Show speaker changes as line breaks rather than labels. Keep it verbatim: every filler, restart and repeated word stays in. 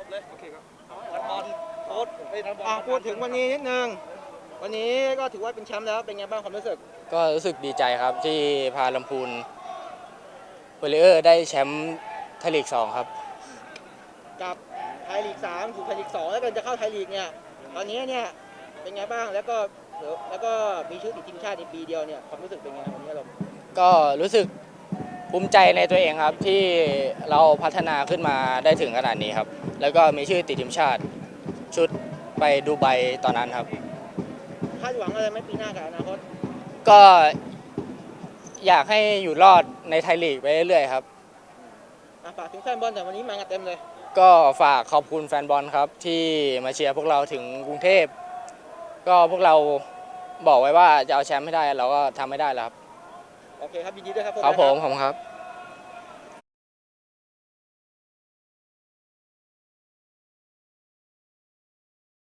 เลยโอเคครับวันบอลโค้ชไปนักบอล
อ่ะพูดถึงวันนี้นิดนึงวันนี้ก็ถือว่าเป็นแชมป์แล้วเป็นไงบ้างความรู้สึก
ก็รู้สึกดีใจครับที่พาลำพูนเวลเลอร์ได้แชมป์ไทยลีกสองครับ
กับไทยลีกสามสู่ไทยลีกสองแล้วกันจะเข้าไทยลีกเนี่ยตอนนี้เนี่ยเป็นไงบ้างแล้วก็แล้วก็มีชื่อติดทีมชาติในปีเดียวเนี่ยความรู้สึกเป็นไงวันนี้เรา
ก็รู้สึกภูมิใจในตัวเองครับที่เราพัฒนาขึ้นมาได้ถึงขนาดนี้ครับแล้วก็มีชื่อติดทีมชาติชุดไปดูไบตอนนั้นครับ
คาดหวังอะไรไหมปีหน้ากับอนาคต
ก็อยากให้อยู่รอดในไทยลีกไปเรื่อยๆครับ
ฝากถึงแฟนบอลแต่วันนี้มากันเต็มเลย
ก็ฝากขอบคุณแฟนบอลครับที่มาเชียร์พวกเราถึงกรุงเทพก็พวกเราบอกไว้ว่าจะเอาแชมป์ให้ได้เราก็ทำไม่ได้แล้วครับ
โอเคครับยินดีด้วยครับ
ครับผมขอบคุณครับ